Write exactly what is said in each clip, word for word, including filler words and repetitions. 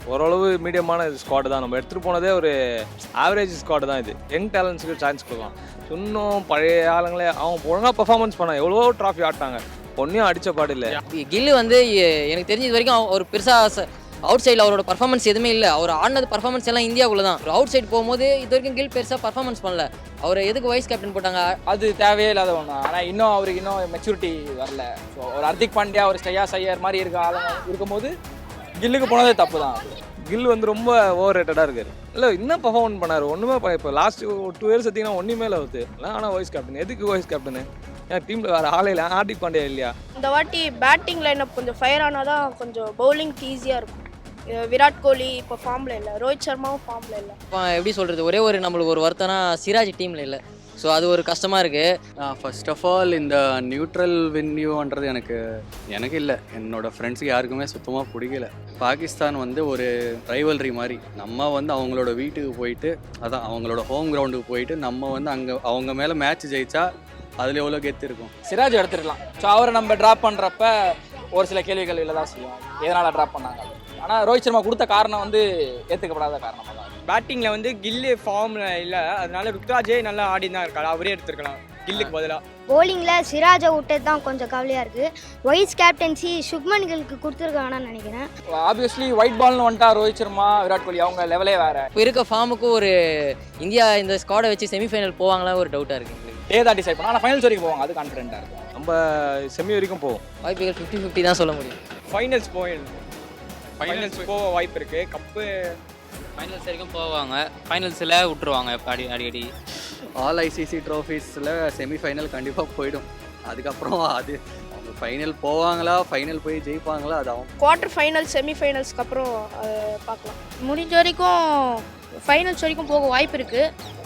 ஓரளவு மீடியமான ஸ்குவாட் தான். நம்ம எடுத்துகிட்டு போனதே ஒரு ஆவரேஜ் ஸ்குவாட் தான் இது. யங் டேலண்ட்ஸுக்கு சான்ஸ் கொடுக்கலாம். இன்னும் பழைய ஆளுங்களே அவங்க ஒழுங்காக பெர்ஃபார்மன்ஸ் பண்ணாங்க. எவ்வளோ ட்ராஃபி ஆட்டாங்க, ஒன்றையும் அடித்த பாடு இல்லை. கில்லு வந்து எ- எனக்கு தெரிஞ்ச இது வரைக்கும் அவர் பெருசாக அவுட் சைடில் அவரோட பர்ஃபார்மன்ஸ் எதுவுமே இல்லை. அவர் ஆடினது பர்ஃபார்மன்ஸ் எல்லாம் இந்தியாவுக்குள்ள தான். ஒரு அவுட் சைடு போகும்போது இது வரைக்கும் கில் பெருசாக பர்ஃபார்மன்ஸ் பண்ணல. அவர் எதுக்கு வைஸ் கேப்டன் போட்டாங்க? அது தேவையே இல்லாத ஒன்று. ஆனால் இன்னும் அவருக்கு இன்னும் மெச்சூரிட்டி வரல. ஸோ ஒரு ஹர்திக் பாண்டியா, ஒரு ஸ்ரேயா ஐயர் மாதிரி இருக்க ஆளுங்க இருக்கும்போது கில்லுக்கு போனதே தப்பு தான். கில் வந்து ரொம்ப ஓவர் ரேட்டடாக இருக்காரு. இல்லை இன்னும் பர்ஃபார்மன்ஸ் பண்ணார். ஒன்றுமே இப்போ லாஸ்ட் ஒரு டூ இயர்ஸ் எடுத்திங்கன்னா ஒன்றுமே இல்லை வருது. ஆனால் வைஸ் கேப்டன் எதுக்கு வைஸ் கேப்டனு? ஏன் டீமில் வேறு ஆளே இல்லை? ஹார்திக் பாண்டியா இல்லையா? இந்த வாட்டி பேட்டிங் லைனப் கொஞ்சம் ஃபயர் ஆனால் தான் கொஞ்சம் பவுலிங்க்கு ஈஸியாக இருக்கும். அஹ் விராட் கோலி இப்போ ஃபார்மில் இல்லை, ரோஹித் சர்மாவும் ஃபார்மில் இல்லை. இப்போ எப்படி சொல்கிறது, ஒரே ஒரு நம்மளுக்கு ஒரு வருத்தம்னா சிராஜ் டீமில் இல்லை. ஸோ அது ஒரு கஷ்டமாக இருக்குது. ஃபர்ஸ்ட் ஆஃப் ஆல் இந்த நியூட்ரல் வென்யூன்றது எனக்கு எனக்கு இல்லை, என்னோட ஃப்ரெண்ட்ஸுக்கு யாருக்குமே சுத்தமாக பிடிக்கல. பாகிஸ்தான் வந்து ஒரு ரைவல்ரி மாதிரி. நம்ம வந்து அவங்களோட வீட்டுக்கு போயிட்டு, அதான் அவங்களோட ஹோம் கிரவுண்டுக்கு போயிட்டு நம்ம வந்து அங்கே அவங்க மேலே மேட்ச் ஜெயிச்சா அதில் எவ்வளோ கெத்து இருக்கும். சிராஜ் எடுத்துருக்கலாம். ஸோ அவரை நம்ம ட்ராப் பண்ணுறப்ப ஒரு சில கேள்விகள் இல்லை தான் செய்யும், எதனால் ட்ராப் பண்ணாங்க. ஆனால் ரோஹித் சர்மா கொடுத்த காரணம் வந்து ஏற்றுக்கப்படாத காரணமாக தான். பேட்டிங்கில் வந்து கில்லு ஃபார்மில் இல்லை, அதனால ருத்ராஜே நல்லா ஆடி தான் இருக்காரு. அவரே எடுத்துருக்கலாம் கில்லுக்கு பதிலாக. போலிங்கில் சிராஜை விட்டது தான் கொஞ்சம் கவலையாக இருக்குது. வைஸ் கேப்டன்சி சுப்மன் கில்க்கு கொடுத்துருக்காங்கன்னு நினைக்கிறேன். ஆப்வியஸ்லி ஒயிட் பால்னு வந்துட்டா ரோஹித் சர்மா, விராட் கோலி அவங்க லெவலே வேறு. இப்போ இருக்க ஃபார்முக்கு ஒரு இந்தியா இந்த ஸ்குவாடை வச்சு செமிஃபைனல் போவாங்களா ஒரு டவுட்டாக இருக்குது எங்களுக்கு. டே தான் டிசைட் பண்ணால் ஆனால் ஃபைனல்ஸ் வரைக்கும் போவாங்க, அது கான்ஃபிடென்ட்டாக இருக்கும். நம்ம செமி வரைக்கும் போவோம். வாய்ப்புகள் ஃபிஃப்டி ஃபிஃப்டி தான் சொல்ல முடியும். ஃபைனல்ஸ் போயிடும். ஃபைனல்ஸ் போக வாய்ப்பு இருக்குது. கப்பு ஃபைனல்ஸ் வரைக்கும் போவாங்க, ஃபைனல்ஸில் விட்டுருவாங்க அடி அடிக்கடி. ஆல் ஐசிசி ட்ரோஃபீஸில் செமிஃபைனல் கண்டிப்பாக போயிடும். அதுக்கப்புறம் அது அவங்க ஃபைனல் போவாங்களா, ஃபைனல் போய் ஜெயிப்பாங்களா, அது அவங்க குவார்ட்டர் ஃபைனல், செமி ஃபைனல்ஸ்க்கு அப்புறம் அதை பார்க்கலாம். முடிஞ்ச வரைக்கும் ஃபைனல்ஸ் வரைக்கும் போக வாய்ப்பு இருக்குது.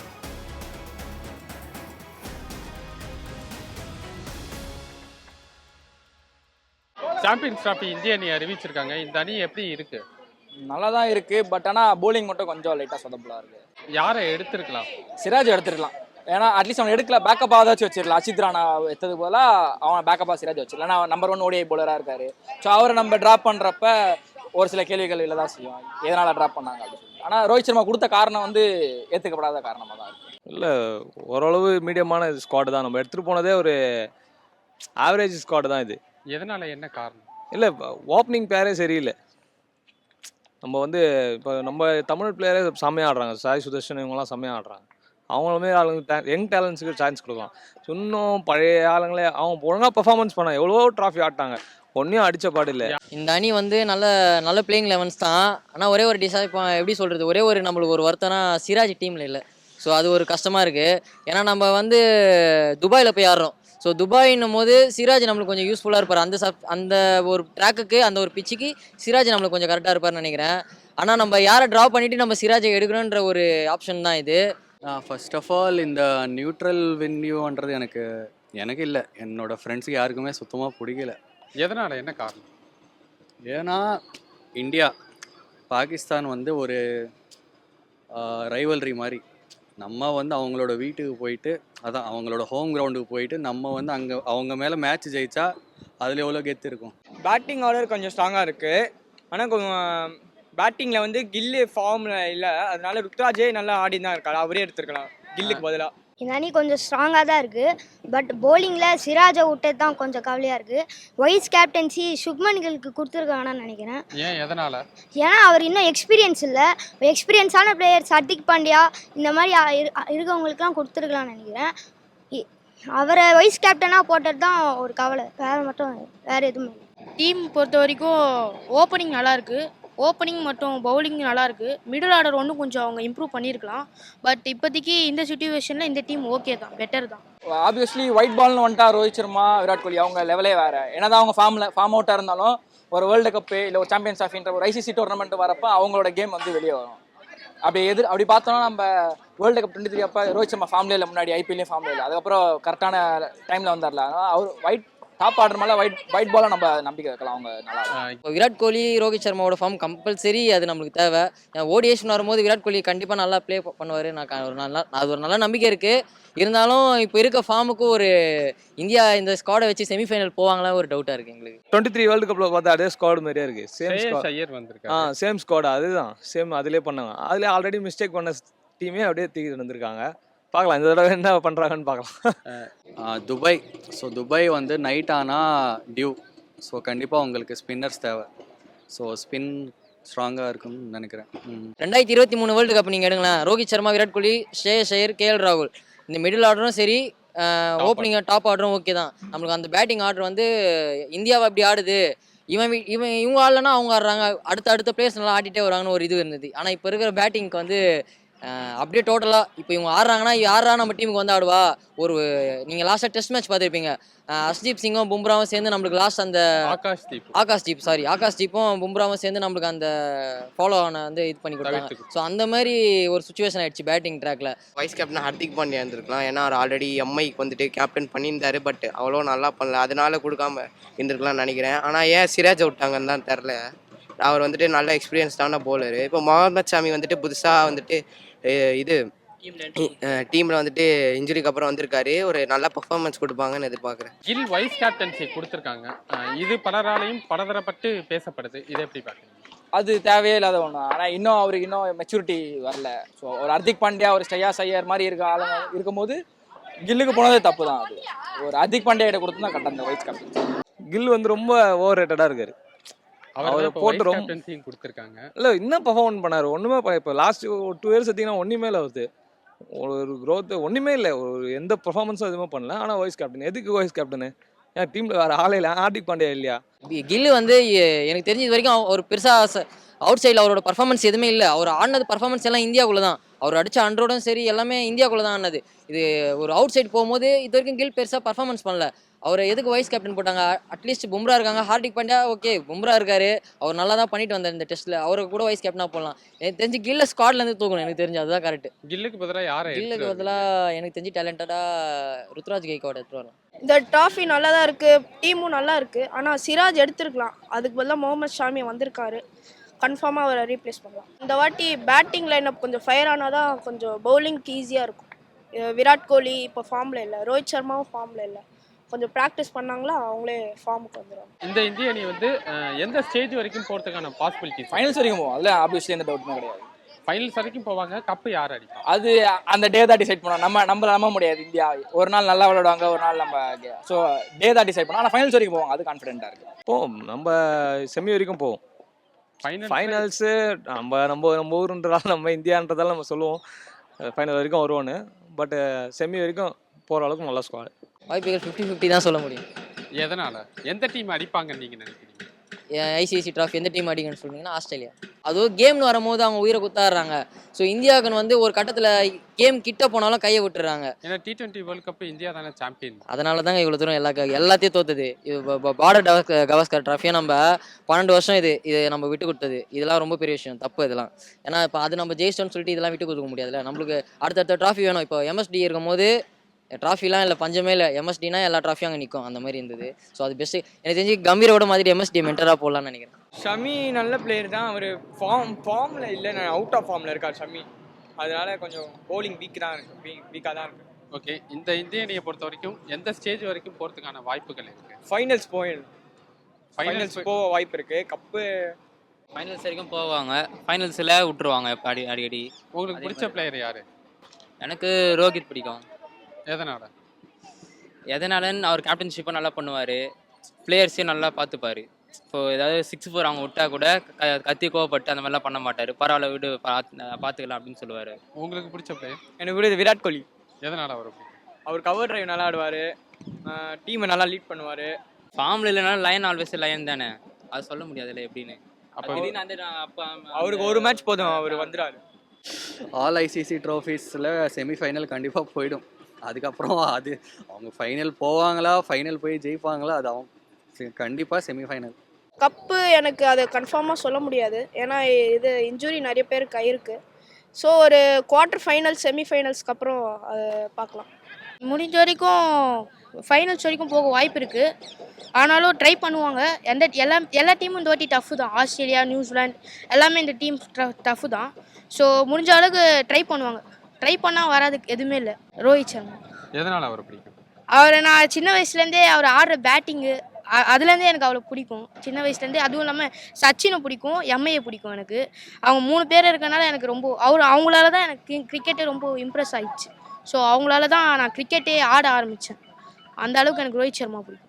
சாம்பியன்ஸ் டிராஃபி இந்திய அணி அறிவிச்சிருக்காங்க. இந்த அணி எப்படி இருக்கு? நல்லா தான் இருக்குது. பட் ஆனால் போலிங் மட்டும் கொஞ்சம் லைட்டாக சொதப்பலாக இருக்குது. யாரை எடுத்திருக்கலாம்? சிராஜ் எடுத்துருக்கலாம். ஏன்னா அட்லீஸ்ட் அவன் எடுக்கல, பேக்கப்பாக ஏதாச்சும் வச்சிடலாம். அசித் ராணா எடுத்தது போல அவன் பேக்கப்பாக சிராஜ் வச்சிடலாம். ஏன்னா நம்பர் ஒன் ஓடிஐ போலராக இருக்காரு. ஸோ அவரை நம்ம ட்ராப் பண்ணுறப்ப ஒரு சில கேள்விகள் இல்லை தான் செய்யும், எதனால் ட்ராப் பண்ணாங்க அப்படின்னு சொல்லி. ஆனால் ரோஹித் சர்மா கொடுத்த காரணம் வந்து ஏற்றுக்கப்படாத காரணமாக தான் இருக்குது. இல்லை ஓரளவு மீடியமான ஸ்குவாட் தான். நம்ம எடுத்துகிட்டு போனதே ஒரு ஆவரேஜ் ஸ்குவாட் தான் இது. எதனால, என்ன காரணம்? இல்லை ஓப்பனிங் பேரே சரியில்லை. நம்ம வந்து இப்போ நம்ம தமிழ் பிளேயரே செம்மையாக ஆடுறாங்க. சாய் சுதர்ஷன் இவங்கெல்லாம் செம்மையாக ஆடுறாங்க. அவங்களுமே ஆளுங்க யங் டேலண்ட்ஸுக்கு சான்ஸ் கொடுக்கலாம். இன்னும் பழைய ஆளுங்களே அவங்க ஒழுங்காக பெர்ஃபார்மன்ஸ் பண்ணாங்க. எவ்வளோ ட்ராஃபி ஆட்டாங்க, ஒன்றையும் அடித்த பாடு இல்லை. இந்த அணி வந்து நல்ல நல்ல பிளேயிங் லெவன்ஸ் தான். ஆனால் ஒரே ஒரு டிசை இப்போ எப்படி சொல்கிறது, ஒரே ஒரு நம்மளுக்கு ஒரு வருத்தம்னா சிராஜ் டீமில் இல்லை. ஸோ அது ஒரு கஷ்டமாக இருக்குது. ஏன்னா நம்ம வந்து துபாயில் போய் ஆடுறோம். ஸோ துபாயின்னும் போது சிராஜ் நம்மளுக்கு கொஞ்சம் யூஸ்ஃபுல்லாக இருப்பார். அந்த சப் அந்த ஒரு ட்ராக்குக்கு, அந்த ஒரு பிச்சுக்கு சிராஜ் நம்மளுக்கு கொஞ்சம் கரெக்டாக இருப்பார்னு நினைக்கிறேன். ஆனால் நம்ம யாரை ட்ரா பண்ணிவிட்டு நம்ம சிராஜை எடுக்கணுன்ற ஒரு ஆப்ஷன் தான் இது. ஃபர்ஸ்ட் ஆஃப் ஆல் இந்த நியூட்ரல் வென்யூன்றது எனக்கு எனக்கு இல்லை, என்னோட ஃப்ரெண்ட்ஸுக்கு யாருக்குமே சுத்தமாக பிடிக்கல. எதனால, என்ன காரணம்? ஏன்னா இந்தியா பாகிஸ்தான் வந்து ஒரு ரைவல்ரி மாதிரி. நம்ம வந்து அவங்களோட வீட்டுக்கு போயிட்டு, அதான் அவங்களோட ஹோம் கிரவுண்டுக்கு போயிட்டு நம்ம வந்து அங்கே அவங்க மேலே மேட்ச் ஜெயிச்சா அதில் எவ்வளோ கெத்து இருக்கும். பேட்டிங் ஆர்டர் கொஞ்சம் ஸ்ட்ராங்காக இருக்குது. ஆனால் கொஞ்சம் பேட்டிங்கில் வந்து கில்லு ஃபார்மில் இல்லை, அதனால ருத்ராஜே நல்லா ஆடி தான் இருக்காரு. அவரே எடுத்துருக்கலாம் கில்லுக்கு பதிலாக. இந்த அணி கொஞ்சம் ஸ்ட்ராங்காக தான் இருக்குது. பட் போலிங்கில் சிராஜை விட்டது தான் கொஞ்சம் கவலையாக இருக்குது. வைஸ் கேப்டன்சி சுப்மன் கில்க்கு கொடுத்துருக்காங்கன்னு நினைக்கிறேன். ஏன், எதனால? ஏன்னா அவர் இன்னும் எக்ஸ்பீரியன்ஸ் இல்லை. எக்ஸ்பீரியன்ஸான பிளேயர்ஸ் ஹர்திக் பாண்டியா இந்த மாதிரி இரு- இருக்கவங்களுக்குலாம் கொடுத்துருக்கலாம்னு நினைக்கிறேன். இ- அவரை வைஸ் கேப்டனாக போட்டது தான் ஒரு கவலை, வேறு மட்டும் வேறு எதுவுமே இல்லை. டீம் பொறுத்த வரைக்கும் ஓப்பனிங் நல்லாயிருக்கு. ஓப்பனிங் மற்றும் பவுலிங் நல்லாயிருக்கு. மிடில் ஆர்டர் ஒன்றும் கொஞ்சம் அவங்க இம்ப்ரூவ் பண்ணியிருக்கலாம். பட் இப்போதைக்கு இந்த சுச்சுவேஷனில் இந்த டீம் ஓகே தான், பெட்டர் தான். ஆப்வியஸ்லி ஒயிட் பால்னு வந்துட்டா ரோஹித் சர்மா, விராட் கோலி அவங்க லெவலே வேறு. ஏன்னா தான் அவங்க ஃபார்மில் ஃபார்ம் அவுட்டாக இருந்தாலும் ஒரு வேர்ல்டு கப்பு இல்லை ஒரு சாம்பியன்ஸ் ஆஃப்ன்ற ஒரு ஐசிசி டோர்னமெண்ட் வரப்போ அவங்களோட கேம் வந்து வெளியே வரும். அப்படி எதிர் அப்படி பார்த்தோன்னா நம்ம வேர்ல்டு கப் டுவெண்ட்டி த்ரீ அப்போ ரோஹித் சர்மா ஃபார்ம்லே இல்லை, முன்னாடி ஐபிஎல்லையும் ஃபார்ம்லே இல்லை. அதுக்கப்புறம் கரெக்டான டைமில் வந்தார்ல. அவர் ஒயிட் டாப் ஆடுற மேலே ஒயிட் ஒயிட் பாலை நம்ம நம்பிக்கை வைக்கலாம், அவங்க நல்லா ஆடுவாங்க. இப்போ விராட் கோலி ரோஹித் சர்மாவோட ஃபார்ம் கம்பல்சரி அது நம்மளுக்கு தேவை. ஓடிஎஸ்னு வரும்போது விராட் கோலி கண்டிப்பாக நல்லா ப்ளே பண்ணுவார். நான் க- ஒரு நல்லா அது ஒரு நல்ல நம்பிக்கை இருக்குது. இருந்தாலும் இப்போ இருக்க ஃபார்முக்கு ஒரு இந்தியா இந்த ஸ்குவாடை வச்சு செமிஃபைனல் போவாங்களா ஒரு டவுட்டாக இருக்குது எங்களுக்கு. டுவெண்ட்டி த்ரீ வேர்ல்டு கப்பில் பார்த்தா அதே ஸ்குவாட் மாதிரியே இருக்குது. Same Shreyas squad. ஐயர் ஆ வந்திருக்காரு. சேம் ஸ்குவாட் அதுதான் சேம் அதிலே பண்ணாங்க. அதிலே ஆல்ரெடி மிஸ்டேக் பண்ண டீமே அப்படியே தூக்கிட்டு வந்திருக்காங்க. பார்க்கலாம் இந்த தடவை என்ன பண்ணுறாங்கன்னு பார்க்கலாம். துபாய். ஸோ துபாய் வந்து நைட் ஆனால் டியூ. ஸோ கண்டிப்பாக உங்களுக்கு ஸ்பின்னர்ஸ் தேவை. ஸோ ஸ்பின் ஸ்ட்ராங்காக இருக்கும்னு நினைக்கிறேன். ம். ரெண்டாயிரத்தி இருபத்தி மூணு வேர்ல்டு கப் நீங்கள் எடுங்களேன். ரோஹித் சர்மா, விராட் கோலி, ஸ்ரேயஸ் ஐயர், கேஎல் ராகுல் இந்த மிடில் ஆர்டரும் சரி, ஓப்பனிங் டாப் ஆர்டரும் ஓகே தான். நம்மளுக்கு அந்த பேட்டிங் ஆர்டர் வந்து இந்தியாவை அப்படி ஆடுது, இவன் வி- இவன் இவங்க ஆடலன்னா அவங்க ஆடுறாங்க, அடுத்த அடுத்த பிளேயர்ஸ் நல்லா ஆடிட்டே வராங்கன்னு ஒரு இது இருந்தது. ஆனால் இப்போ இருக்கிற பேட்டிங்க்கு வந்து அஹ், அப்படியே டோட்டலாக இப்போ இவங்க ஆடுறாங்கன்னா யாரா நம்ம டீமுக்கு வந்து ஆடுவா. ஒரு நீங்கள் லாஸ்ட்டாக டெஸ்ட் மேட்ச் பார்த்துருப்பீங்க. ஹர்ஷ்தீப் சிங்கும் பும்ராவும் சேர்ந்து நம்மளுக்கு லாஸ்ட் அந்த ஆகாஷ் தீப் ஆகாஷ் தீப் சாரி ஆகாஷ் தீப்பும் பும்ராவும் சேர்ந்து நம்மளுக்கு அந்த ஃபாலோ ஆன வந்து இது பண்ணி கொடுத்தாங்க. தவிர்த்து ஸோ அந்த மாதிரி ஒரு சுச்சுவேஷன் ஆயிடுச்சு பேட்டிங் ட்ராக்ல. வைஸ் கேப்டன் ஹர்திக் பாண்டியா இருந்திருக்கலாம். ஏன்னா அவர் ஆல்ரெடி எம்ஐக்கு வந்துட்டு கேப்டன் பண்ணியிருந்தாரு. பட் அவ்வளோ நல்லா பண்ணல, அதனால கொடுக்காம இருந்திருக்கலாம்னு நினைக்கிறேன். ஆனால் ஏன் சிராஜ் விட்டாங்கன்னு தான் தெரில. அவர் வந்துட்டு நல்ல எக்ஸ்பீரியன்ஸ்டான போலரு. இப்போ முகமது ஷாமி வந்துட்டு புதுசாக வந்துட்டு அஹ், இது டீமில் வந்துட்டு இன்ஜுரிக்கு அப்புறம் வந்திருக்காரு. ஒரு நல்ல பர்ஃபார்மன்ஸ் கொடுப்பாங்கன்னு எதிர்பார்க்குறேன். கில் வைஸ் கேப்டன்சி கொடுத்துருக்காங்க. அஹ் இது பலராலையும் பலதரப்பட்டு பேசப்படுது. இதை எப்படி பார்க்குறீங்க? அது தேவையே இல்லாத ஒன்று. ஆனால் இன்னும் அவருக்கு இன்னும் மெச்சூரிட்டி வரல. ஸோ ஒரு ஹர்திக் பாண்டியா, ஒரு ஸ்ரேயாஸ் ஐயர் மாதிரி இருக்க ஆளுங்க இருக்கும்போது கில்லுக்கு போனதே தப்பு தான். அது ஒரு ஹர்திக் பாண்டியா கிட்ட கொடுத்து தான் கட்ட அந்த வைஸ் கேப்டன். கில் வந்து ரொம்ப ஓவர் ரேட்டடாக இருக்காரு. அவர் அவரை போட்டு போட்டு ரொம்ப- கேப்டன்சியும் கொடுத்துருக்காங்க. இல்லை இன்னும் பர்ஃபார்மன்ஸ் பண்ணார். ஒன்றுமே இப்போ லாஸ்ட் ஒரு டூ இயர்ஸ் எடுத்திங்கன்னா ஒன்றுமே இல்லை. வருது ஒரு க்ரோத் ஒன்றுமே இல்லை. ஒரு எந்த பர்ஃபார்மன்ஸும் எதுவுமே பண்ணல. ஆனால் வைஸ் கேப்டன் எதுக்கு வைஸ் கேப்டனு? ஏன் டீமில் வேறு ஆளே இல்லை? ஹார்திக் பாண்டியா இல்லையா? கில்லு வந்து எ- எனக்கு தெரிஞ்ச இது வரைக்கும் அவ- ஒரு பெருசாக அவுட் சைடில் அவரோட பர்ஃபார்மன்ஸ் எதுவுமே இல்லை. அவர் ஆடினது பர்ஃபார்மன்ஸ் எல்லாம் இந்தியாவுக்குள்ள தான். அவர் அடித்த ஹண்ட்ரடும் சரி எல்லாமே இந்தியாவுக்குள்ள தான் ஆனது. இது ஒரு அவுட் சைடு போகும்போது இது வரைக்கும் கில் பெருசாக பர்ஃபார்மன்ஸ் பண்ணல. அவரை எதுக்கு வைஸ் கேப்டன் போட்டாங்க? அட்லீஸ்ட் பும்ரா இருக்காங்க, ஹார்திக் பாண்டியா ஓகே, பும்ரா இருக்காரு, அவர் நல்லா தான் பண்ணிட்டு வந்தார் இந்த டெஸ்ட்டில். அவருக்கு கூட வைஸ் கேப்டனாக போடலாம். எனக்கு தெரிஞ்சு கில்ல ஸ்குவாட்லேருந்து தூக்கணும். எனக்கு தெரிஞ்சு அதுதான் கரெக்ட். கில்லுக்கு பதிலாக யாரை கில்லுக்கு பதிலாக எனக்கு தெரிஞ்சு டேலண்டடாக ருத்ராஜ் கைக்வாட் எடுத்துட்டு வரலாம். இந்த ட்ராஃபி நல்லா தான் இருக்குது, டீமும் நல்லா இருக்குது. ஆனால் சிராஜ் எடுத்துருக்கலாம். அதுக்கு பதிலாக முகமது ஷாமி வந்திருக்காரு. கன்ஃபார்மாக அவரை ரீப்ளேஸ் பண்ணலாம். இந்த வாட்டி பேட்டிங் லைனப் கொஞ்சம் ஃபயர் ஆனால் தான் கொஞ்சம் பவுலிங்க்கு ஈஸியாக இருக்கும். அஹ் விராட் கோலி இப்போ ஃபார்மில் இல்லை, ரோஹித் சர்மாவும் ஃபார்மில் இல்லை. கொஞ்சம் ப்ராக்டிஸ் பண்ணாங்களா அவங்களே ஃபார்முக்கு வந்துடுவாங்க. இந்த இந்திய அணி வந்து அஹ், எந்த ஸ்டேஜ் வரைக்கும் போகிறதுக்கான பாசிபிலிட்டிஸ்? ஃபைனல்ஸ் வரைக்கும் போகும். அதில் ஆப்வியஸ்லி எந்த டவுட்டுமே கிடையாது. ஃபைனல்ஸ் வரைக்கும் போவாங்க. கப்பு யார் அடிப்பா? அது அந்த டே தான் டிசைட் பண்ணோம். நம்ம நம்ம நம்ப முடியாது. இந்தியா ஒரு நாள் நல்லா விளையாடுவாங்க, ஒரு நாள் நம்ம ஸோ டே தான் டிசைட் பண்ணோம். ஆனால் ஃபைனல்ஸ் வரைக்கும் போவோம், அது கான்ஃபிடென்ட்டாக இருக்குது. போவோம். நம்ம செமி வரைக்கும் போவோம். ஃபைனல் ஃபைனல்ஸு நம்ம நம்ம நம்ம ஊருன்றதால நம்ம இந்தியான்றதால நம்ம சொல்லுவோம் ஃபைனல் வரைக்கும் வருவோன்னு. பட்டு செமி வரைக்கும் போகிற அளவுக்கு நல்ல ஸ்குவாட். வாய்ப்புகள் ஃபிஃப்டி ஃபிஃப்டி தான் சொல்ல முடியும். எதனால எந்த டீம் அடிப்பாங்கன்னு நீங்க நினைக்கிறீங்க? ஐசிஐசி ட்ராஃபி எந்த டீம் அடிக்கணும்னு சொன்னீங்கன்னா ஆஸ்திரேலியா. அதுவும் கேம்னு வரும்போது அவங்க உயிரை குத்தாடுறாங்க. ஸோ இந்தியாவுக்குன்னு வந்து ஒரு கட்டத்தில் கேம் கிட்ட போனாலும் கையை விட்டுறாங்க. ஏன்னா T twenty world cup India தானே சாம்பியன். அதனால தாங்க இவ்வளோ தூரம் எல்லா க- எல்லாத்தையும் தோத்துது. இது பார்டர் கவாஸ்கர் ட்ராஃபியை நம்ம பன்னெண்டு வருஷம் இது இது நம்ம விட்டு கொடுத்தது. இதெல்லாம் ரொம்ப பெரிய விஷயம், தப்பு இதெல்லாம். ஏன்னா இப்போ அது நம்ம ஜெயிச்சிட்டோம்னு சொல்லிட்டு இதெல்லாம் விட்டு கொடுக்க முடியாதுல்ல. நம்மளுக்கு அடுத்தடுத்த ட்ராஃபி வேணும். இப்போ எம்எஸ்டி இருக்கும் போது ட்ராஃபிலாம் இல்லை, பஞ்சமே இல்லை. எம்எஸ்டினா எல்லா ட்ராஃபியும் அங்கே நிற்கும், அந்த மாதிரி இருந்தது. ஸோ அது பெஸ்ட்டு. எனக்கு தெரிஞ்சு கம்பீரோட மாதிரி எம்எஸ்டி மென்டராக போடலான்னு நினைக்கிறேன். ஷமி நல்ல பிளேயர் தான். அவர் ஃபார்ம் ஃபார்மில் இல்லை, நான் அவுட் ஆஃப் ஃபார்மில் இருக்கார் ஷமி. அதனால கொஞ்சம் bowling வீக் தான் இருக்கு, வீக் வீக்காக தான் இருக்கு. ஓகே, இந்த இந்திய அணியை பொறுத்த வரைக்கும் எந்த ஸ்டேஜ் வரைக்கும் போறதுக்கான வாய்ப்புகள் இருக்கு? ஃபைனல்ஸ் போயிடும். ஃபைனல்ஸ் போக வாய்ப்பு இருக்கு. கப்பு ஃபைனல்ஸ் வரைக்கும் போவாங்க. ஃபைனல்ஸில் விட்டுருவாங்க இப்போ அடி அடிக்கடி. உங்களுக்கு அதே பிடிச்ச மாதிரி. பிளேயர் யாரு? எனக்கு ரோஹித் பிடிக்கும். எதனால? எதனாலன்னு அவர் கேப்டன்ஷிப்பை நல்லா பண்ணுவார், பிளேயர்ஸையும் நல்லா பார்த்துப்பாரு. இப்போ ஏதாவது சிக்ஸ் ஃபோர் அவங்க விட்டா கூட க கத்தி கோவப்பட்டு அந்த மாதிரிலாம் பண்ண மாட்டார். பரவாயில்ல விடு, பார்த்து பார்த்துக்கலாம் அப்படின்னு சொல்லுவார். உங்களுக்கு பிடிச்ச பிளேயர் எனக்கு பிடிச்சது விராட் கோலி. எதனால அவர் பிடிக்கும்? அவர் கவர் டிரைவ் நல்லா ஆடுவார், டீமை நல்லா லீட் பண்ணுவார். ஃபார்மில் இல்லைனாலும் லயன் ஆல்வேஸ் லயன் தானே, அது சொல்ல முடியாதுல்ல எப்படின்னு. அப்போ அப்போ திடீர்னு அந்த அப்போ அவருக்கு ஒரு மேட்ச் போதும், அவர் வந்துடுவார். ஆல் ஐசிசி ட்ராஃபீஸில் செமிஃபைனல் கண்டிப்பாக போயிடும். அதுக்கப்புறம் அது அவங்க ஃபைனல் போவாங்களா, ஃபைனல் போய் ஜெயிப்பாங்களா, அது அவங்க கண்டிப்பாக செமிஃபைனல். கப்பு எனக்கு அதை கன்ஃபார்மாக சொல்ல முடியாது. ஏன்னா இது இன்ஜுரி நிறைய பேருக்கு ஆயிருக்கு. ஸோ ஒரு குவார்ட்டர் ஃபைனல்ஸ் செமிஃபைனல்ஸ்க்கு அப்புறம் அதை பார்க்கலாம். முடிஞ்ச வரைக்கும் ஃபைனல்ஸ் வரைக்கும் போக வாய்ப்பு இருக்குது. ஆனாலும் ட்ரை பண்ணுவாங்க. எந்த எல்லா எல்லா டீமும் இந்த வாட்டி டஃப்பு தான். ஆஸ்திரேலியா, நியூசிலாந்து எல்லாமே இந்த டீம் டஃப்பு தான். ஸோ முடிஞ்ச அளவுக்கு ட்ரை பண்ணுவாங்க. ட்ரை பண்ணால் வராதுக்கு எதுவுமே இல்லை. ரோஹித் சர்மா. எதனால் அவரை பிடிக்கும்? அவரை நான் சின்ன வயசுலேருந்தே அவர் ஆடுற பேட்டிங்கு அதுலேருந்தே எனக்கு அவ்வளோ பிடிக்கும். சின்ன வயசுலேருந்தே. அதுவும் இல்லாமல் சச்சினை பிடிக்கும், எம்ஐயை பிடிக்கும் எனக்கு. அவங்க மூணு பேர் இருக்கனால எனக்கு ரொம்ப அவர் அவங்களால தான் எனக்கு கிரிக்கெட்டே ரொம்ப இம்ப்ரெஸ் ஆயிடுச்சு. ஸோ அவங்களால தான் நான் கிரிக்கெட்டே ஆட ஆரம்பித்தேன். அந்த அளவுக்கு எனக்கு ரோஹித் சர்மா பிடிக்கும்.